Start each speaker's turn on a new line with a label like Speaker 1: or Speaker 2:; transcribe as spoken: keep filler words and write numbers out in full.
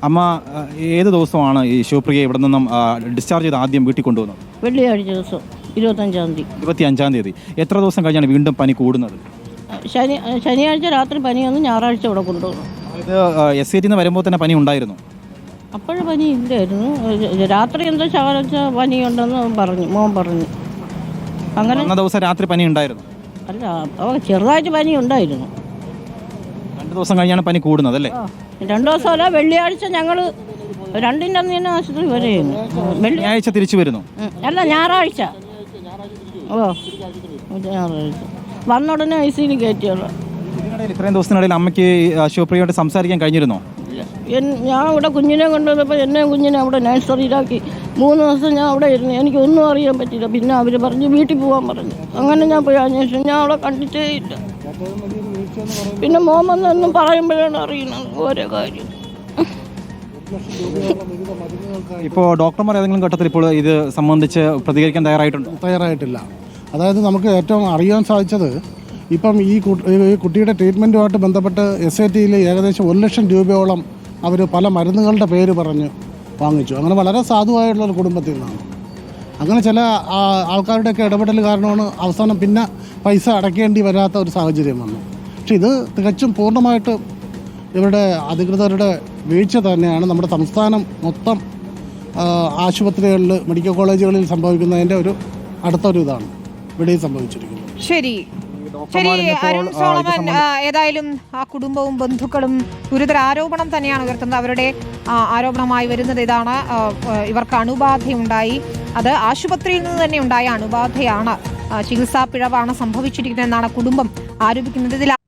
Speaker 1: അമ്മ ഏത് ദിവസമാണ് ഈ ശിവപ്രിയ ഇവിടെ നിന്നും ഡിസ്ചാർജ് ചെയ്ത് ആദ്യം വീട്ടിൽ കൊണ്ടുവന്നത്?
Speaker 2: വെള്ളിയാഴ്ച ദിവസം ഇരുപത്തഞ്ചാം തീയതി.
Speaker 1: ഇരുപത്തി അഞ്ചാം തീയതി. എത്ര ദിവസം കഴിഞ്ഞാണ് വീണ്ടും പനി കൂടുന്നത്?
Speaker 2: ശനി ശനിയാഴ്ച രാത്രി പനി വന്ന് ഞായറാഴ്ച ഇവിടെ കൊണ്ടുപോകും.
Speaker 1: ഇത് എസ് ഐ ടിന്ന് വരുമ്പോൾ തന്നെ പനി ഉണ്ടായിരുന്നു?
Speaker 2: അപ്പോഴും പനി ഇല്ലായിരുന്നു. രാത്രി എന്തോ ശകലച്ച പനി ഉണ്ടെന്ന് പറഞ്ഞു, മോൻ പറഞ്ഞു. അങ്ങനെ
Speaker 1: അന്ന ദിവസം രാത്രി പനി ഉണ്ടായിരുന്നു?
Speaker 2: അല്ല, അവ ചെറുതായിട്ട് പനി ഉണ്ടായിരുന്നു.
Speaker 1: രണ്ട് ദിവസം കഴിഞ്ഞാണ് പനി കൂടുന്നത് അല്ലേ?
Speaker 2: രണ്ടു ദിവസമല്ല, വെള്ളിയാഴ്ച ഞങ്ങൾ രണ്ടിൻ്റെ അന്ന് തന്നെ ആശുപത്രി വരെയായിരുന്നു.
Speaker 1: വെള്ളിയാഴ്ച തിരിച്ചു വരുന്നു?
Speaker 2: അല്ല, ഞായറാഴ്ച. ഓ, ഞായറാഴ്ച വന്ന ഉടനെ ഐ സിയിൽ കയറ്റിയുള്ള.
Speaker 1: ഇത്രയും ദിവസത്തിനിടയിൽ അമ്മയ്ക്ക് ശിവപ്രിയയോട് സംസാരിക്കാൻ കഴിഞ്ഞിരുന്നോ?
Speaker 2: ഞാൻ ഇവിടെ കുഞ്ഞിനെ കൊണ്ടുവന്നപ്പോൾ എന്നെ കുഞ്ഞിനെ അവിടെ നഴ്സറിയിലാക്കി മൂന്ന് ദിവസം ഞാൻ അവിടെ ഇരുന്നു. എനിക്കൊന്നും അറിയാൻ പറ്റില്ല. പിന്നെ അവർ പറഞ്ഞ് വീട്ടിൽ പോകാൻ പറഞ്ഞു. അങ്ങനെ ഞാൻ പോയി അന്വേഷിച്ചു. ഞാൻ അവിടെ കണ്ടിട്ടേ ഇല്ല. പിന്നെ മോൻ വന്നൊന്നും പറയുമ്പോഴാണ് അറിയുന്നത് ഓരോ കാര്യം.
Speaker 1: ഇപ്പോൾ ഡോക്ടർമാർ ഏതെങ്കിലും ഘട്ടത്തിൽ ഇപ്പോൾ ഇത് സംബന്ധിച്ച് പ്രതികരിക്കാൻ തയ്യാറായിട്ടുണ്ടോ?
Speaker 3: തയ്യാറായിട്ടില്ല. അതായത് നമുക്ക് ഏറ്റവും അറിയാൻ സാധിച്ചത് ഇപ്പം ഈ കുട്ടിയുടെ ട്രീറ്റ്മെൻറ്റുമായിട്ട് ബന്ധപ്പെട്ട് എസ് ഐ ടിയിൽ ഏകദേശം ഒരു ലക്ഷം രൂപയോളം അവർ പല മരുന്നുകളുടെ പേര് പറഞ്ഞ് വാങ്ങിച്ചു. അങ്ങനെ വളരെ സാധുവായിട്ടുള്ളൊരു കുടുംബത്തിൽ നിന്നാണ്. അങ്ങനെ ചില ആൾക്കാരുടെയൊക്കെ ഇടപെടൽ കാരണമാണ് അവസാനം പിന്നെ പൈസ അടയ്ക്കേണ്ടി വരാത്ത ഒരു സാഹചര്യം വന്നു. പക്ഷെ ഇത് തികച്ചും പൂർണ്ണമായിട്ട് ഇവരുടെ അധികൃതരുടെ വീഴ്ച തന്നെയാണ്. നമ്മുടെ സംസ്ഥാനം മൊത്തം ആശുപത്രികളിൽ, മെഡിക്കൽ കോളേജുകളിൽ സംഭവിക്കുന്നതിൻ്റെ ഒരു അടുത്തൊരു ഇതാണ് ഇവിടെയും സംഭവിച്ചിരിക്കുന്നത്.
Speaker 4: ശരി ശരി അരുൺ സോളമൻ, ഏതായാലും ആ കുടുംബവും ബന്ധുക്കളും ഗുരുതര ആരോപണം തന്നെയാണ് ഉയർത്തുന്നത്. അവരുടെ ആരോപണമായി വരുന്നത് ഇതാണ്: ഇവർക്ക് അണുബാധയുണ്ടായി, അത് ആശുപത്രിയിൽ നിന്ന് തന്നെ ഉണ്ടായ അണുബാധയാണ്, ചികിത്സാ പിഴവാണ് സംഭവിച്ചിരിക്കുന്നതെന്നാണ് കുടുംബം ആരോപിക്കുന്നത്. ഇതിൽ